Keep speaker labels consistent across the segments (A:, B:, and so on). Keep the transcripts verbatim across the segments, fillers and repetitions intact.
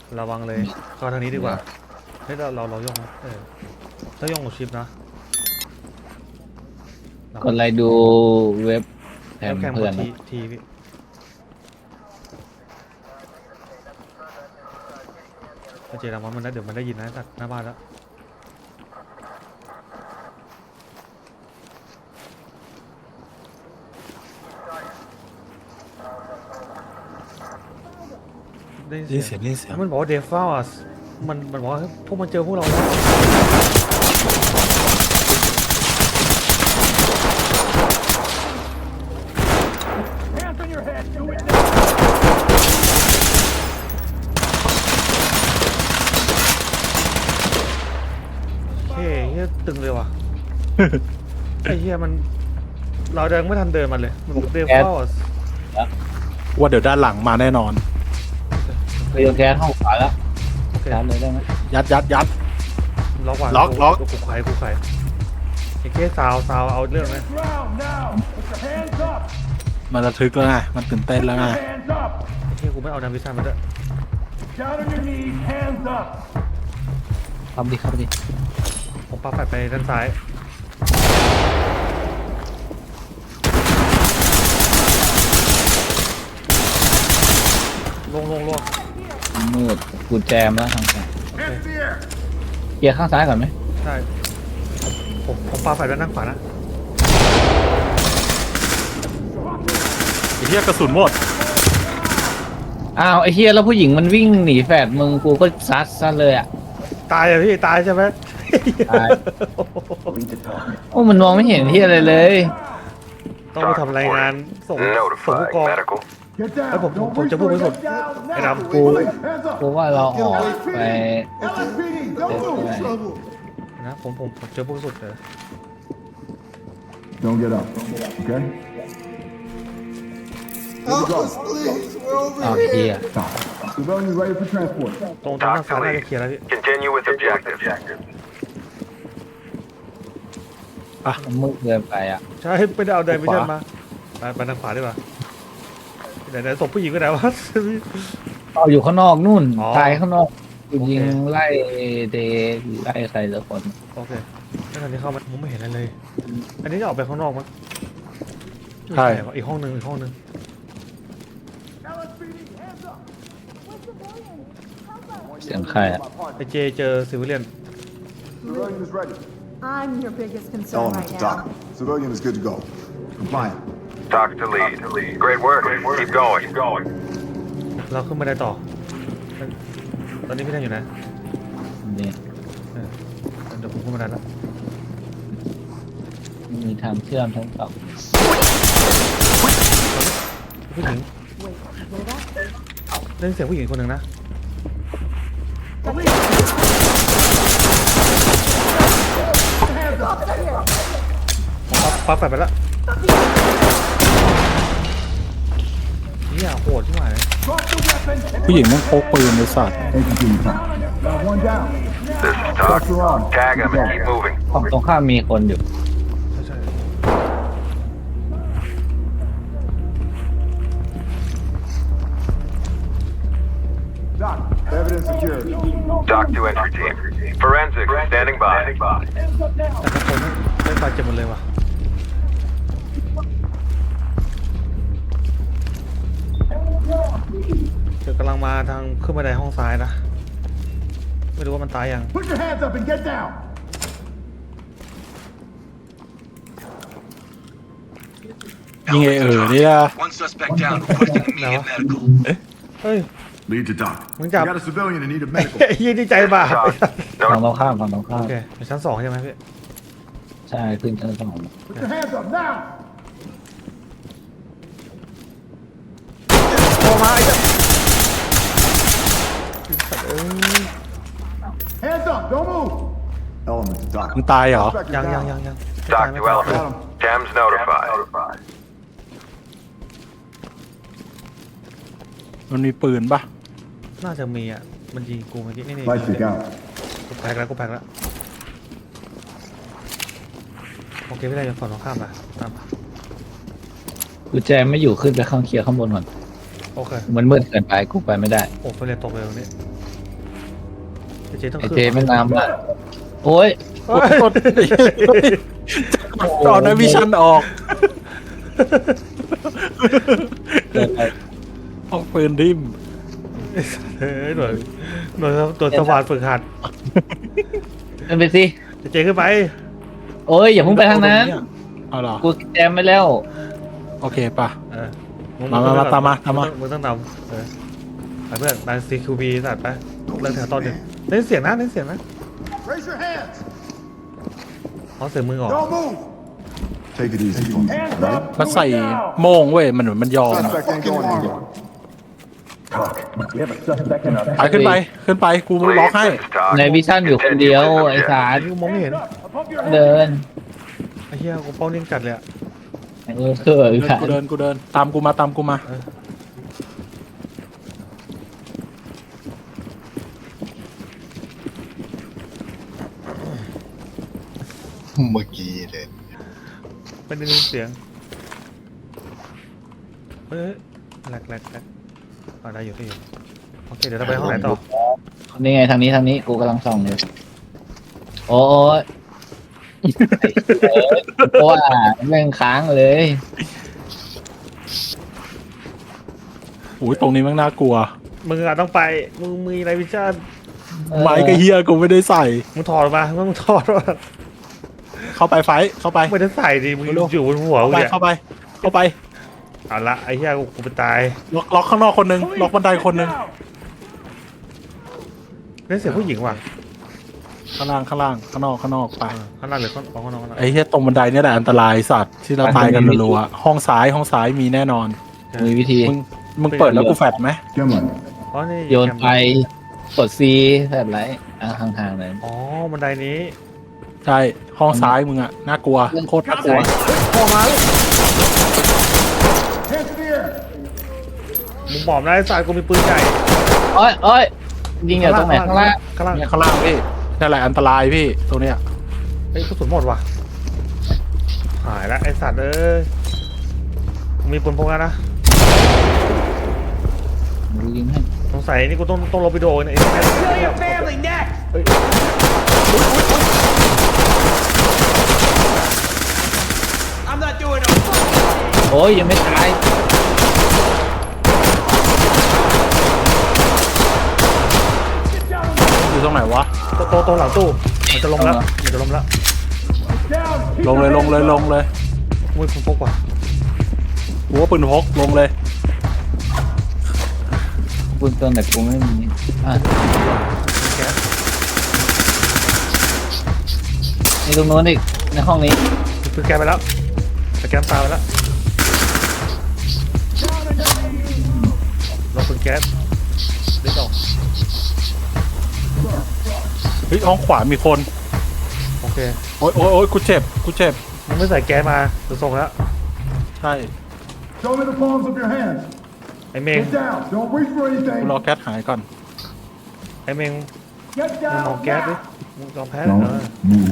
A: ระวังเลยเข้าทางนี้ดีกว่าเฮ้ยเราเราเราย่องเออถ้าย่องกับชิปนะ
B: กดไลค์ดูเว็บแถ
A: แล้ว
B: ม
A: แคม
B: เพื่อน
A: ที
B: นะ
A: ทีพี่ถ้าเจรังมันมันได้เดี๋ยวมันได้ยินนะจากหน้าบ้านแล้วได้
C: ได้
A: ยิ
C: ยิ
A: น
C: น
A: เสี
C: เสี
A: ย
C: ย
A: ง
C: งได้ยินเสียง
A: มันบอกว่าเดฟฟ้าอ่ะมันมันบอกว่าพวกมันเจอพวกเราแล้วเฮ้ยเฮียตึงเลยว่ะ ไอ้เฮียมันเราเดินไม่ทันเดินมันเลยมันเดฟฟ้า
C: ว่าเดี๋ยวด้านหลังมาแน่นอน
B: ไปโยนแก๊สห้องขวาแล้ว
A: โอเค
B: ชาร์จเลยได้ไหม
C: ยัดยัดยัด
A: ล็อกว่ะ
C: ล็อกล็อก
A: กูไขกูไขไอ้เก้ซาวซาวเอาเรื่องนะ
C: มันระทึกแล้วไงมันตื่นเต้นแล้วไง
A: ไอ้เก้กูไม่เอาดาวิสันมาด้วย
B: ทำดิครับดิ
A: ผมปาแฟดไปด้านซ้ายลงลงลง
B: มืดกูแจมแล้วทางซ้าย
A: โอเค
B: เกียร์ข้างซ้ายก่อนไหม
A: ใช่ผมผมปาแฟดด้านนั่งขวานะ
C: ไอ้เหี้ยกระสุนหมด
B: อ้าวไอ้เฮียแล้วผู้หญิงมันวิ่งหนีแฝดมึงกูก็ซัดซะเลยอ่ะ
A: ตายอะพี่ตายใช่ไหม
B: ตาย โอ้มันมองไม่เห็นเฮียอะไรเลย
A: ต้องไปทำรายงานส่งส่งผู้กองแล้วผมผมผมจะพูดไม่สุดไอ้ดำ
B: กูกูว่าเราออกไป
A: นะผมผมผมเจอผู้สุดเลย
D: Don't get up, okay?
E: Help us, please. We're over
B: อ้าว
E: here.
B: เฮีย
D: Stop. Civilians ready for transport.
A: ตรงตรงด้านซ้ายน่าจะเคลียร์แล้วพี่
F: Continue with objective.
B: มันมืดเกินไปอ่ะ
A: ใช่ไม่ได้เอาไดวิชั่นมาไปไปทางขวาดีกว่าไหนไหนศพผู้หญิงก็ไหนวะ
B: เอาอยู่ข้างนอกนู่น
A: อ๋อ
B: ตายข้างนอกกูยิง
A: โอเค
B: ไล่เดไล่ใครสักคน
A: โอเคแล้วตอนนี้เข้ามาผมไม่เห็นอะไรเลย อันนี้จะออกไปข้างนอกมั้ย
C: ใช่
A: ไม่วะอีกห้องหนึ่งอีกห้องหนึ่ง
B: เสียงใครอ่ะ
A: ไอเจเจอซิวิเลียน
D: Civilian is ready.
G: I'm your biggest concern
D: Element
G: right
D: to
G: now.
D: dock. Civilian is good to go. Compliant.
F: Talk to lead. Great work. Keep going. Keep going.
A: เราขึ้นมาได้ต่อ ตอนนี้พี่แทนอยู่นะ
B: นี่
A: เออเดี๋ยวผมขึ้นมาได้แล้ว
B: มีทางเชื่อมทั้งสอง
A: ผู้หญิงได้ยินเสียงผู้หญิงคนหนึ่งนะปั๊บแฟดไปแล้วนี่โหดที่ไหน
C: ผู้หญิงมันพกปืนในสัตว์
D: Take your team time. Got one down.
F: This is Talk.
D: Pressure on.
F: Tag him and keep moving.
B: ฝั่งตรงข้ามมีคนอยู่
A: ใช่ใช่
D: Dock. Evidence secured.
F: Talk to entry team. Forensics standing by.
A: แต่ทุกคนไม่บาดเจ็บหมดเลยว่ะเดี๋ยวกำลังมาทางขึ้นบันไดห้องซ้ายนะ ไม่รู้ว่ามันตายยัง
D: Put your hands up and get down.
C: ยิงไอเออเนี่ย
H: One suspect down, requesting immediate medical.
A: เฮ้ย
D: Lead to dock.
A: We
D: We
A: got-
D: got a civilian in need of medical.
A: เฮียดีใจบาป
F: Talk.
B: ฝั่ง
F: No.
B: ตรงข้ามฝั่งตรงข้า
A: โอ
B: ม
A: เคเดี๋ยวชั้นสองใช่ไหมพี่
B: ใช่ขึ้นชั้นสอง
D: Put your hands up now.
A: โอ้มาไอ้เจ้าเอ้ย
D: Hands up. Don't move. Element to dock.
C: มึงตายเหรอ
D: Suspect is
A: ยัง
D: down.
A: ยังยังยัง
F: Talk
A: ไม่
F: to
A: ตาย
F: element. Thames notified.
C: มันมีปืนปะ
A: น่าจะมีอ่ะ มันยิงกูเมื่อกี้นี่นี่
D: Light stick out.
A: กูแพ็กแล้วกูแพ็กแล้วโอเคพี่ได้ยังฝั่งตรงข้ามนะตามมา
B: กูแจมไม่อยู่ขึ้นไปข้างเคลียร์ข้างบนก่อน
A: โอเค
B: มันมืดเกินไปกูไปไม่ได้
A: โอ้ไปเลยตกเลยตรงนี้ไอ้เจต้อง
B: ไอ้
A: ขึ้น
B: เจไม่นำละโอ้ย
A: เฮ้ย
C: ตอนนั้นวิชันออกออกปืนทิ่ม
A: เฮ้ยหน่วยหน่วยตัวสว่านฝึกหัด
B: ขึ้นไปสิ
A: ไอ้เจขึ้นไป
B: โอ้ยอย่าเพิ่งไปทางนั้น
C: เอาเหรอ
B: กูแจมไปแล้ว
C: โอเคป่ะ
A: เออ
C: มามามาตามมาตามมา
A: มึงต้องนำเออไปเพื่อนนาย ซี คิว บี สัตว์ไปเรื่องแถวต้นหนึ่งเล่นเสียงนะเล่นเสียงนะ
D: Raise your hands.
A: เอาเสียงมือออก
D: Don't move. Take it easy. Hands up.
C: มันใส่โม่งเว้ยมันเหมือนมันยอม
D: Suspect ain't going anywhere.
C: ไปขึ้นไปขึ้นไปกู
F: Lead,
C: ล็อกให้
F: this is Talk.
B: ในวิชั่นอยู่คนเดียวไอ้สาร
A: นี่กูมองไม่เห็น
B: เดิน
A: ไอ้เหี้ยกูเป้านิ่งจัดเลยอะ
B: เออเออ
C: เดิน
B: ค่ะ
C: กูเดินกูเดินตามกูมาตามกูมา
E: เมื่อกี้เลย
A: ไม่ได้ยินเสียงเฮ้ยแหลกแหลกแหลกเอาได้อยู่พี่โอเคเดี๋ยวเราไปห้องไหนต่อ
B: นี่ไงทางนี้ทางนี้กูกำลังส่องอยู่โอ้ยเพราะว่าแม่งค้างเลย
C: โอ้ยตรงนี้แม่งน่ากลัว
A: มึงอะต้องไปมึงมีอะไรวิชั่น
C: ไม้กระเฮียกูไม่ได้ใส่
A: มึงถอดออกมามึงถอดออกมา
C: เข้าไปไฟท์เข้าไป
A: ไม่ได้ใส่ดิมึง
C: เร็ว
A: อยู่บนหัว
C: เข้า
A: กู
C: ไป
A: เนี่ย
C: เข้าไปเข้าไป
A: เอาละไอ้เหี้ยกูกูไปตาย
C: ล็อกล็อกข้างนอกคนหนึงล็อกบันไดคนหนึง
A: เล่นเสียงผู้หญิงว่ะ
C: ข้างล่างข้างล่างข้างนอกข้างนอกไป
A: ข้างล่างหรือข้างข้างนอกข้างนอก
C: ไอ้เฮียตรงบันไดเนี่ยแหละอันตรายสัตว์ที่เราตายกันรัวๆห้องซ้ายห้องซ้ายมีแน่นอน
B: มีวิธี
C: มึงมึงเปิดแล้วกูแฟดไหม
D: Gimlin.
A: อ๋อนี่
B: โยนไปกดซีแบบไรอ่ะห่างๆเลย
A: อ๋อบันไดนี้
C: ใช่ห้องซ้ายมึงอะน่ากลัวโคตรน่ากลัว
A: พอมาเลย
D: Hands in the air.
A: มึงบอกนะไอ้สายกูมีปืนใหญ่
B: โอ้ยโอ้ยยิงอยู่ตรงไหนข้างล่าง
A: ข้างล่าง
C: เนี่ยข้างล่างพี่นั่นแหละอันตรายพี่ตรงเนี้ย
A: เฮ้ยกระสุนหมดว่ะหายละไอ้สัตว์เอ้ยมึงมีปืนพกแล้วนะ
B: ดูยิงให้
A: สงสัยนี่กูต้องต้องลบวิดีโอเนี่ยไอ้เนี่ยเฮ้ย
B: โอ้ยยังไม่ตาย
C: อยู่ตรงไหนวะ
A: โตโตโตหลังตู้มันจะลงแล้วมันจะลงแล้ว
C: ลงเลยลงเลยลงเลย
A: มึงปืนพกว่ะ
C: กูว่าปืนพกลงเลย
B: ปืนตัวไหนกูไม่มีอ่ะ
A: แก๊ส
B: นี่ตรงโน้นอีกในห้องนี้
A: มีปืนแก๊สไปแล้วสแกนตาไปแล้วลบปืนแก๊สเด็ดออก
C: เฮ้ยห้องขวามีคน
A: โอเค
C: โอ๊ยโอ๊ยโอ๊ยกูเจ็บกูเจ็บ
A: มึงไม่ใส่แก๊สมาจะส่งแล้ว
C: ใช่
D: Show me the palms of your hands.
A: ไอ้เมง
D: Get down. Don't reach for
C: กู
D: anything.
C: รอแก๊สหายก่อน
A: ไอ้เมง
D: Get
A: มึงมอง
D: down
A: แก๊สดิ
D: now.
A: มึงยอมแพ้เลยเออ
D: Move.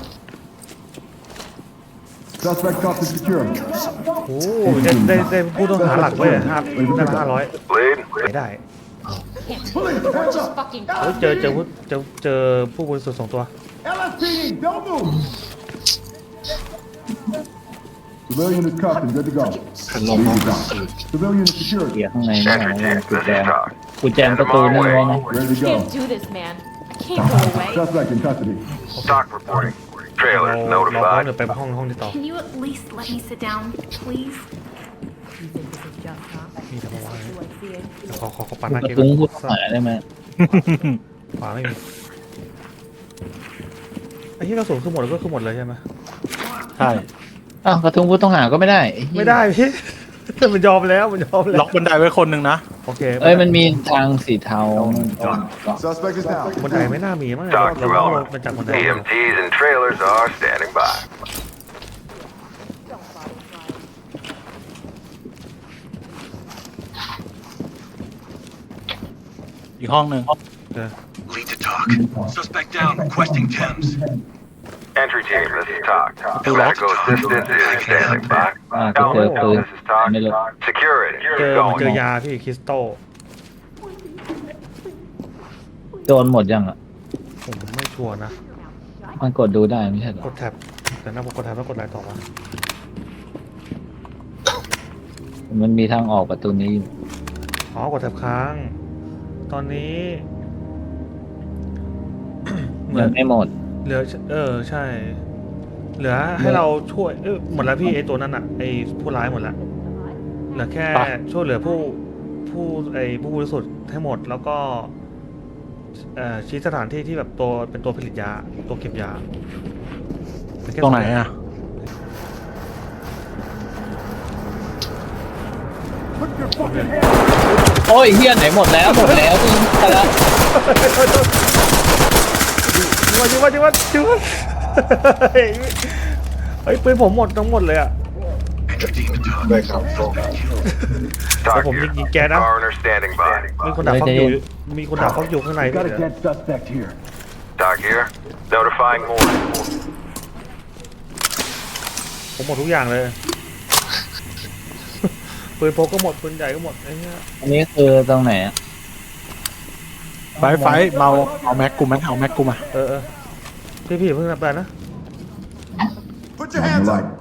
D: Suspect cuffed and secured.
A: โอ้โหได้ได้ได้ผู้ต้องหาหลักเว้ยห้าได้ห้าร้อย
F: Lead.
A: ไม่ได้
D: Police, hands up.
G: Fucking
A: เฮ้ยเจอเจอผู้เจอเจอผู้บริสุทธิ์สองตัว
D: L S P D, don't move. Civilian is cuffed and good to go. Lead is down. Civilian is secured.
B: เกียร์ข้างในนี่
F: Entry
B: นะ
F: team,
B: กู
F: this
B: แจ
F: is
B: ม
F: Talk.
B: กูแจมประตูนั่นไว้นะ
D: Ready to
G: can't
D: go.
G: do this, man. I can't go away.
D: Suspect in custody.
F: Talk reporting.
A: เรา
F: Trailers
A: เราพร้อม
F: notified.
A: เดี๋ยวไปห้องห้องที่ต่อ
I: Can you at least let me sit down, please?
G: You think this is just, huh?
A: มีทำอะไร
G: Do I see it?
A: เดี๋ยวขอขอขอปัดห
B: ก
A: น้า
B: ระ
A: เกม
B: ทุ้งผู้ต้องหาได้ไหม
A: ขวาไม่มีไอ้ที่กระสุนคือหมดก็คือหมดเลยใช่ไหม
C: ใช่
B: อ้าวกระทุ้งผู้ต้องหาก็ไม่ได้อ้เหี้ย
A: ไม่ได้พี่ มันยอมแล้วมันยอมแล้ว
C: ล็อกบันไดไว้คนหนึ่งนะ
A: โอเค
B: เอ้ยมันมีทางสีเทาก่อน
D: Suspect is down.
A: บันไดไม่น่ามีมั้งเรา
F: Talk
A: เรา
F: to
A: เรา
F: element.
A: มันจากบันได
F: E M Ts and trailers are standing by.
C: อีกห้องหนึ่ง
H: Lead to talk. Suspect down, requesting Thames.
F: Entry team, this is Talk. Medical assistance is standing by.
B: อ่าก็เจอปืน
F: This is Talk.
B: ไม่รู้
F: Security,
A: เจอ
F: you're
A: มันเจอ
F: going.
A: ยาพี่คริสตัล
B: โดนหมดยังอ่ะ
A: ชัวร์นะ
B: มันกดดูได้ไม่ใช่เหร
A: ก
B: อ
A: ดแท็บแต่น่ากดแท็บแล้วกดอะไรต่อวะ
B: มันมีทางออกประตูนี้อยู่
A: อ๋อกดแท็บค้าง ตอนนี้ เหมื
B: ยั
A: อน
B: งไม่หมด
A: เหลือเออใช่ เหลือให้เราช่วยเออหมดแล้วพี่ไอตัวนั้นอ่ะไอผู้ร้ายหมดแล้วเหลือแค่ช่วยเหลือผู้ผู้ไอผู้บริสุทธิ์ให้หมดแล้วก็เอ่อชี้สถานที่ที่แบบตัวเป็นตัวผลิตยาตัวเก็บยาเป็นแค่
C: ตรงไหนอ่ะ
B: โอ้ยเฮียไหนหมดแล้วหมดแล้วมึงไปแล้ว
A: จิงวะจิงวะจิงวะจิงวะเฮ้ยปืนผมหมดทั้งหมดเลยอ่ะ
H: Entry team to talk.
E: ด้วยครับโฟกัส
F: Talk
A: ผม
F: here.
A: ยิงยิงแกนะ
F: Coroner standing by.
A: มีคนด่าฟักอยู่มีคนด่าฟักอยู่ข้างใน
D: We
A: ด้วย
D: got a dead suspect here.
F: Talk here. Notifying more.
A: ผมหมดทุกอย่างเลย ปืนพกก็หมดปืนใหญ่ก็หมดไอ้เนี้ย
B: อันนี้คือตรงไหนอะ
C: ไฟไฟเมาเอาแม็กกูไหมเอาแม็กกูมา
A: เออเออพี่พี่เพิ่งนับไปนะ
D: Put your hands up.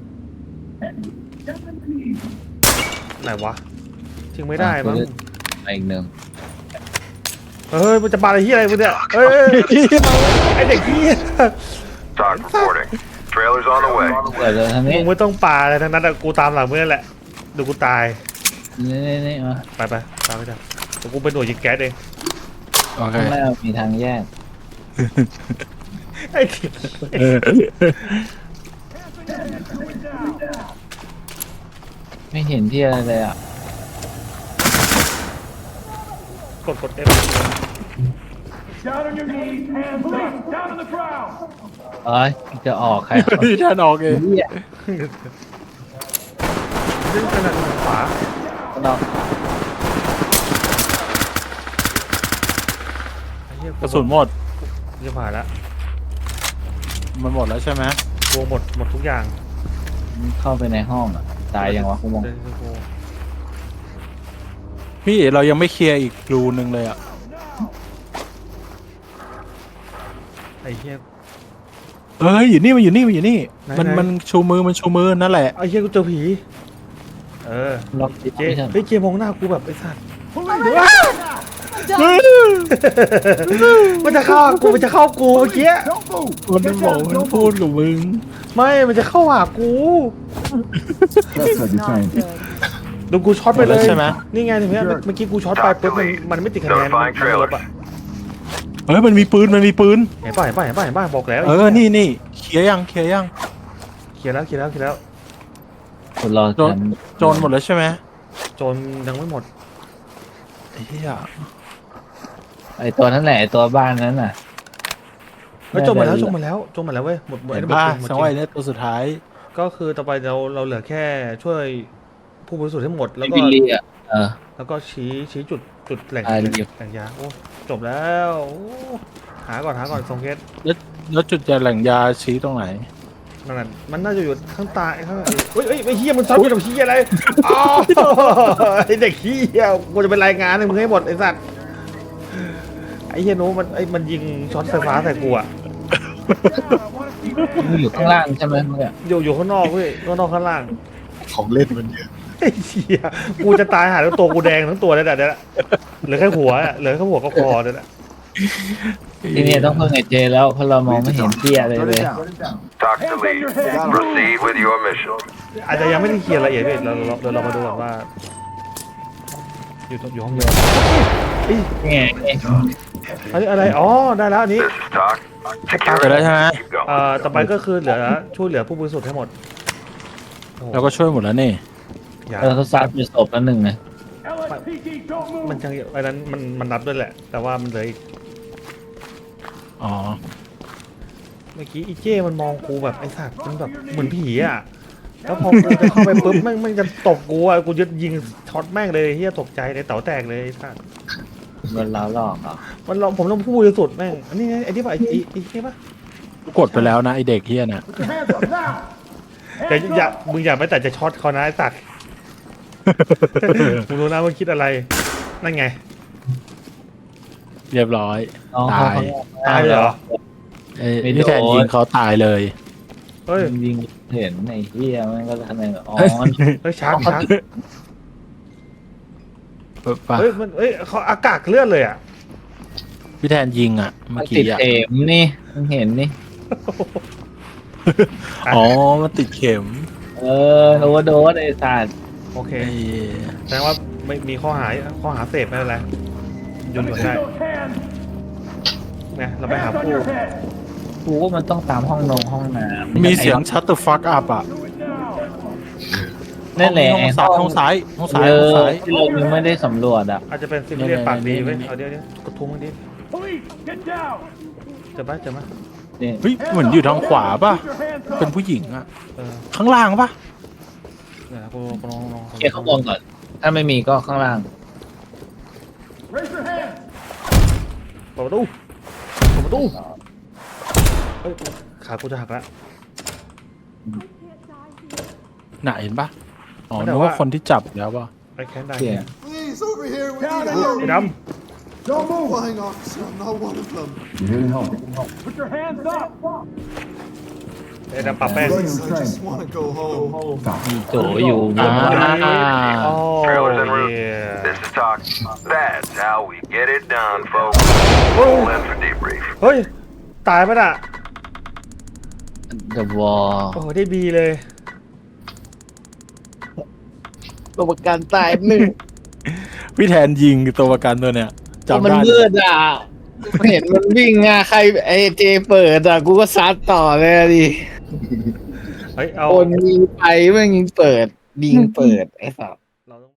A: ไหนวะทิ้งไม่ได้มั้ง
B: ไปอีกหนึ่ง
A: เฮ้ยมันจะบาอะไรที่อะไรมึงเนี่ยเฮ้ยไอเด็กที่
F: Talk reporting. Trailer's on the way.
B: เปิดเลยทาง
A: มึ
B: นี้
A: งไม่ต้องปาอะไรทั้งนั้นอะกูตามหลังมึงนั่นแหละเดี๋ยวกูตาย
B: นี่นี่นี่มา
A: ไปไปตามไปจ้ะเดี๋ยวกูเป็นหน่วยยิงแก๊สเอง
C: โอเค
B: ข้างหน้ามีทางแยก
A: ไอ้ที่
C: เออ
B: ไม่เห็นที่อะไรเลยอ่ะ
A: กดกดเอฟ
D: Down on your knees, hands up, down on the ground.
B: เอ้ยจะออกใคร
C: พี่ท่านออกเอง
B: เฮีย
A: ดึงขนาดขวา
B: นอก
A: ไอ้เหี้ย
C: กระสุนหมด
A: จะผ่านแล้ว
C: มันหมดแล้วใช่ไหม
A: กลัวหมดหมดทุกอย่าง
B: เข้าไปในห้องอ่ะตายยังวะคุณมอง
A: เดินไปโก
C: พี่เรายังไม่เคลียร์อีกรูนึงเลยอ่ะ
A: ไอ้เหี้ย
C: เอ้ยอยู่นี่มันอยู่นี่มันอยู่นี่
A: ไหน
C: มัน
A: ไหน
C: มันชูมือมันชูมือนั่นแหละ
A: ไอ้เหี้ยกูเจอผีเออ
B: ล็อกติด
A: เจ
B: ไม่ใช่
A: เฮ้ยเจมองหน้ากูแบบไอ้สัตว์ มันจะเข้ากูมันจะเข้ากูเมื่อกี้
D: Don't move.
C: มันไม่บอกมันพูดกับมึง
A: ไม่มันจะเข้าหากู
D: That's how you train.
A: ดูกูช็อตไปเลย
C: ใช่ไหม
A: นี่ไงถึงเนี้ยเมื่อกี้กูช็อตไปปุ๊บมันมันไม่ติดคะแนนมันมันลบอ่ะ
C: เอ้ยมันมีปืนมันมีปืน
A: เห็นป่ะเห็นป่ะเห็นป่ะเห็นป่ะบอกแล้ว
C: เออนี่นี่เคลียร์ยังเคลียร์ยัง
A: เคลียร์แล้วเคลียร์แล้วเคลียร์แล้ว
B: คุณรอ
C: โจร
B: ฉัน
C: โจรหมดแล้วใช่ไหม
A: โจนยังไม่หมด
C: ไอ้เหี้ย
B: ไอตัวนั้นแหละไอตัวบ้านนั้นน่ะ
A: เฮ้ยโจนหมดแล้วโจนหมดแล้วโจนหมดแล้วเว้ยหมดหมด
C: เห็น
A: หมด
C: ป่ะ
A: จริงหมด
C: สั
A: จ
C: ง
A: ริ
C: ไว้
A: ง
C: เนี่ยตัวสุดท้าย
A: ก็คือต่อไปเราเราเหลือแค่ช่วยผู้บริสุทธิ์ให้หมดแล้วก็
B: บิลลี่อ่ะเออ
A: แล้วก็ชี้ชี้จุดจุดแหล่ง
B: อ่า
A: แหล่ง
B: เดี๋ยว
A: แหล่งยาโอ้จบแล้วโอ้หาก่อนหาก่อนทรงเคส
C: แล้วแล้วจุดยาแหล่งยาชี้ตรงไหน
A: นั่นนะมันน่าจะอยู่ข้างใตายข้างเฮ้ยเฮ้ยไอ้เฮียมันซ้อนอยู่กับเฮียอะไรอ๋อไอ้เด็กเฮียกูจะเป็นรายงานให้มึงให้หมดไอ้สัตว์ไอ้เฮียโน้มันไอ้มันยิงช็อตไฟฟ้าใส่กูอะ
B: มันอยู่ข้างล่างใช่ไหมเมื่อกี้
A: อยู่อยู่ข้างนอกเว้ยข้างนอกข้างล่าง
E: ของเล่นมันเยอะ
A: ไอ้เฮียกูจะตายหาแล้วตัวกูแดงทั้งตัวเลยแต่เดี๋ยวละเหลือแค่หัวอะเหลือแค่หัวก็คอเดี๋ยวละ
B: ที่นี่ต้องเพิ่งไอเจแล้วเพราะเรามองไม่เห็นเตี้ยเลย
D: Put
B: เลย
D: it down.
F: Talk to lead. Proceed with your mission.
A: อาจจะยังไม่ได้เคลียร์ละเอียดเลยเราเราเดี๋ยวเรามาดูก่อนว่า อยู่ตรงอยู่ห้องเดียวเอ้ย
B: ไงไง
A: อันนี้อะไรอ๋อได้แล้วอันนี้
F: This is talk.
C: ไปแล้วใช่ไหม
F: Keep
A: เอ่
F: going.
A: อต่อไปก็คือเหลือช่วยเหลือผู้บริสุทธิ์ให้หมดโอ้โห
C: เราก็ช่วยหมดแล้วนี่
A: อย่า
B: เราทดสอบไปศพแล้วหนึ่งไง
D: L S P D, don't move.
A: มันยังอันนั้นมันมันนับด้วยแหละ แต่ว่ามันเหลืออีก
C: อ๋อ
A: เมื่อกี้อีเจ้มันมองกูแบบไอ้สัตว์มันแบบเหมือนผีอ่ะแล้วพอกูจะเข้าไปปุ๊บแม่งแม่งจะตบกูอ่ะกูจะยิงช็อตแม่งเลยเฮียตกใจเลยเต๋าแตกเลยไอ้สัตว์
B: โดนเราหลอกเหรอ
A: มันลองผมลองผู้บริสุทธิ์แม่งอันนี้ไงไอ้ที่ป่ะไอ้ไอ้ไอ้นี่ป่ะ
C: กดไปแล้วนะไอเด็กเฮียน่ะ
D: Put your hands up now.
A: แต่อย่ามึงอย่าไปแต่จะช็อตเขานะไอ้สัตว์ มึงรู้นะมึงคิดอะไรนั่นไง
C: เรียบร้อย
B: น้อง
C: ตาย
B: เขา
A: ตายเลยเหรอ
C: ไอ้พี่แทนยิงเขาตายเลย
A: เฮ้ย
B: ยิงเห็นไอ้เหี้ยมันก็ทำไงอ๋อ
A: เฮ้ยชาร์จชาร์จ
C: ปะ
A: เฮ้ยมันเฮ้ยเขาอากาศเลื่อนเลยอ่ะ
C: พี่แทนยิงอ่ะ
B: มั
C: เมื่
B: น
C: อ
B: ติ
C: กี้
B: ด
C: อ่ะ
B: เข็มนี่มึงเห็นนี่
C: อ๋อมันติดเข็ม
B: เออโอเวอร์โดสไอ้สัตว์
A: โอเค
C: ไอ้
A: แสดงว่าไม่มีข้อหาข้อหาเสพไม่เป็นไรหยุดหยุดได้เนี่ยเราไปหาผู้
B: กูว่ามันต้องตามห้องนงห้องน้ำ
C: มีเสียงชัตเตอร์ฟักอัพอ่ะ
B: นั่นแหละ
C: ห้องซ้ายห้องซ้ายห้องซ้าย
B: เอ
C: ห้อง
B: อ
C: ซ้าย
B: ที่เรายังไม่ได้สำรวจอ่ะ
A: อาจจะเป็นซิมเลียนปากดีเว้ยเอาเดี๋ยวเดี๋ยวกระทุ้งมันดิเจอปะเจอปะ
B: นี่
C: เฮ้ยเหมือนอยู่ทางขวาป่ะ เป็นผู้หญิงอ่ะ
A: เออ
C: ข้างล่างป่ะ
A: เดี๋ยวนะกูกูลองลอง
B: เคลียร์ข้างบนก่อน ถ้าไม่มีก็ข้างล่าง
A: เปิดประตูเปิดประตูเฮ้ยขากูจะหักแล้ว
C: ไหนเห็นป่ะ อ๋อ
A: ไม่ได้
C: นึกว่า
A: ว่า
C: คนที่จับแล้วป่ะ
A: ไอ้แค้นได้
B: เคลียร์
E: Please, over here. We need
A: ไอ้
E: help.
A: ด
D: Don't move.
E: Flying officer, I'm not one of them.
D: You're here to help.
A: ำไอ้ดำปะแป้ง
E: Please, I just want to go home.
D: Stop.
B: โจอยู่บน
C: อ่า
A: โอ้
F: Trailers en route.
A: เหี้ย
F: This is talk. That's how we get it done, folks. Roll in for debrief.
A: เฮ้ย ตายปะน่ะ
B: เดอะวอล
A: โอ้โหได้บีเลย
B: ตัวประกันตายหนึ่ง
C: พี่แทนยิงตัวประกันตัวเนี้ยจำ
B: มัน
C: ได้
B: มืดอ่ะ เห็นมันวิ่งอ่ะ ใครไอเจเปิดอ่ะ กูก็ซัดต่อเลยอะดิ
A: เฮ้ย เอา
B: คนยิงไปแม่งยิงเปิด ยิงเปิด ไอ้สัส